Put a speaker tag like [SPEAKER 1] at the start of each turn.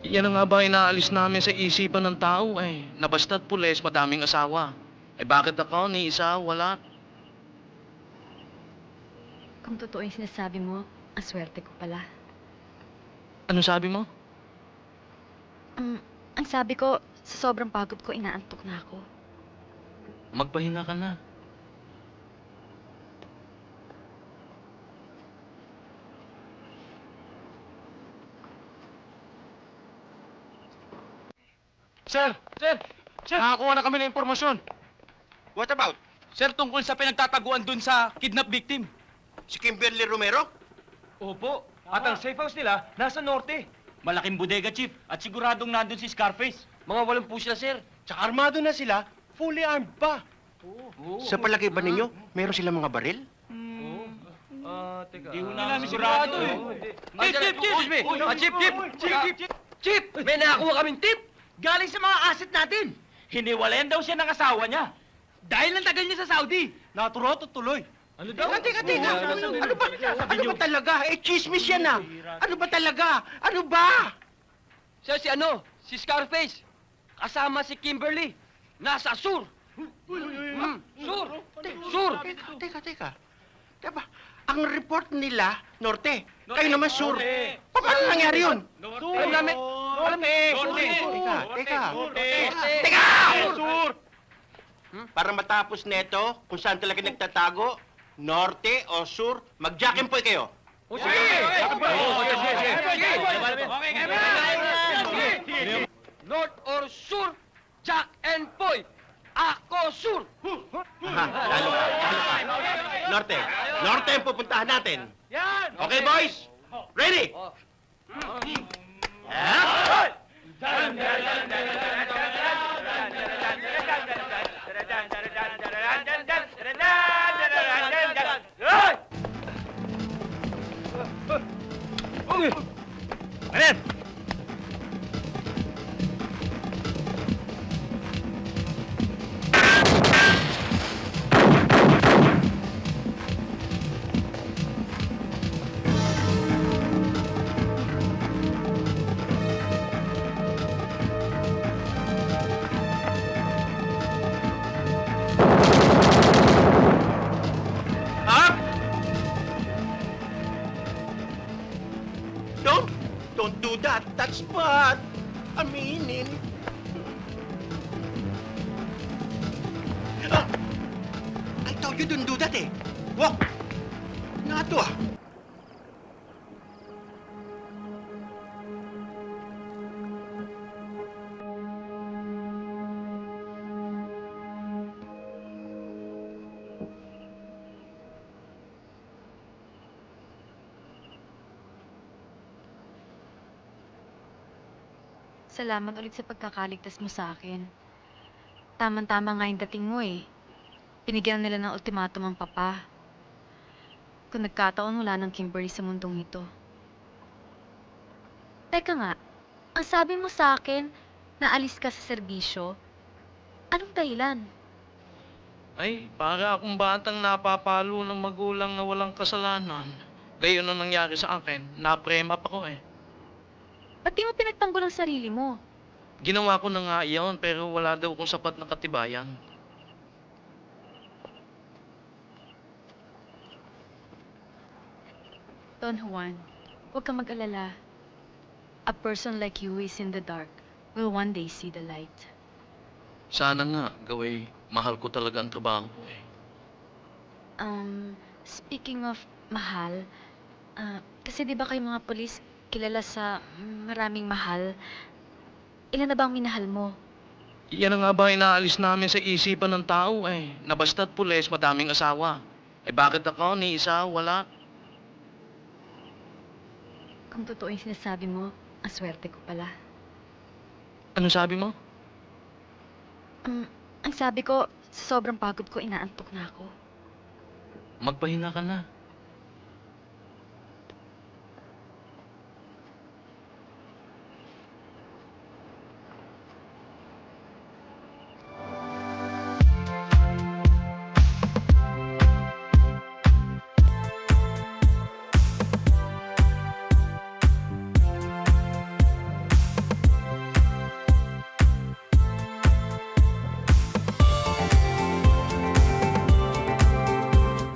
[SPEAKER 1] Yan na nga ba inaalis namin sa isipan ng tao eh. Na basta't pulis, madaming asawa. Eh bakit ako, ni isa, wala?
[SPEAKER 2] Kung totoo yung sinasabi mo, ang swerte ko pala.
[SPEAKER 1] Anong sabi mo?
[SPEAKER 2] Ang sabi ko, sa sobrang pagod ko, inaantok na ako.
[SPEAKER 1] Magpahinga ka na.
[SPEAKER 3] Sir! Sir! Sir! Nakakuha na kami ng impormasyon.
[SPEAKER 4] What about?
[SPEAKER 3] Sir, tungkol sa pinagtataguan dun sa kidnap victim.
[SPEAKER 4] Si Kimberly Romero?
[SPEAKER 3] Opo. At ang safe house nila, nasa norte. Malaking bodega, Chief. At siguradong nandun si Scarface. Mga walang pusla, sir.
[SPEAKER 4] Tsaka armado na sila, fully armed pa. Sa palagay ba ninyo, meron silang mga baril?
[SPEAKER 3] Teka. Di ho namin sigurado eh. Chief! Chief! May nakakuha kaming tip! Galing sa mga asset natin! Hiniwalayan daw siya ng asawa niya. Dahil ang tagal niya sa Saudi. Naturot at tuloy. Ano daw?
[SPEAKER 4] Teka. Ano ba talaga? Eh, chismis yan ah. Ano ba talaga? Ano ba?
[SPEAKER 3] Siya si ano? Si Scarface. Kasama si Kimberly. Nasa Sur. Sur! Sur!
[SPEAKER 4] Teka. Diba, ang report nila, Norte. Kayo naman, Sur. Paano nangyari yun?
[SPEAKER 3] Alam namin.
[SPEAKER 4] Teka! Sur! Para matapos neto, kung saan talaga nagtatago, Norte o Sur, mag-jack-and-poy kayo.
[SPEAKER 3] North or Sur, Jack and Poy. Ako Sur.
[SPEAKER 4] Aha, lalo ka. Norte ang pupuntahan natin.
[SPEAKER 3] Yan!
[SPEAKER 4] Okay, boys? Ready?
[SPEAKER 3] Ayan!
[SPEAKER 4] Up! Don't do that. That's bad. Aminin. Ah! I told you don't do that eh. Walk! Nga to ah.
[SPEAKER 2] Salamat ulit sa pagkakaligtas mo sa akin. Tama-tama nga yung dating mo eh. Pinigyan nila ng ultimatum ang papa. Kung nagkataon, wala ng Kimberly sa mundong ito. Teka nga, ang sabi mo sa akin, naalis ka sa serbisyo. Anong dahilan?
[SPEAKER 1] Ay, para akong batang napapalo ng magulang na walang kasalanan. Gayon ang nangyari sa akin. Naprema pa ko eh.
[SPEAKER 2] Ba't di mo pinagtanggol ang sarili mo?
[SPEAKER 1] Ginawa ko na nga iyon, pero wala daw kung sapat na katibayan.
[SPEAKER 2] Don Juan, huwag kang mag-alala. A person like you who is in the dark will one day see the light.
[SPEAKER 1] Sana nga, gaway, mahal ko talaga ang trabaho ko eh.
[SPEAKER 2] Speaking of mahal, kasi di ba kayo mga polis kilala sa maraming mahal? Ilan na ba ang minahal mo?
[SPEAKER 1] Yan na nga ba inaalis namin sa isipan ng tao eh. Na basta't pulis, madaming asawa. Eh bakit ako, ni isa, wala?
[SPEAKER 2] Kung totoo yung sinasabi mo, ang swerte ko pala.
[SPEAKER 1] Anong sabi mo?
[SPEAKER 2] Ang sabi ko, sa sobrang pagod ko, inaantok na ako.
[SPEAKER 1] Magpahinga ka na.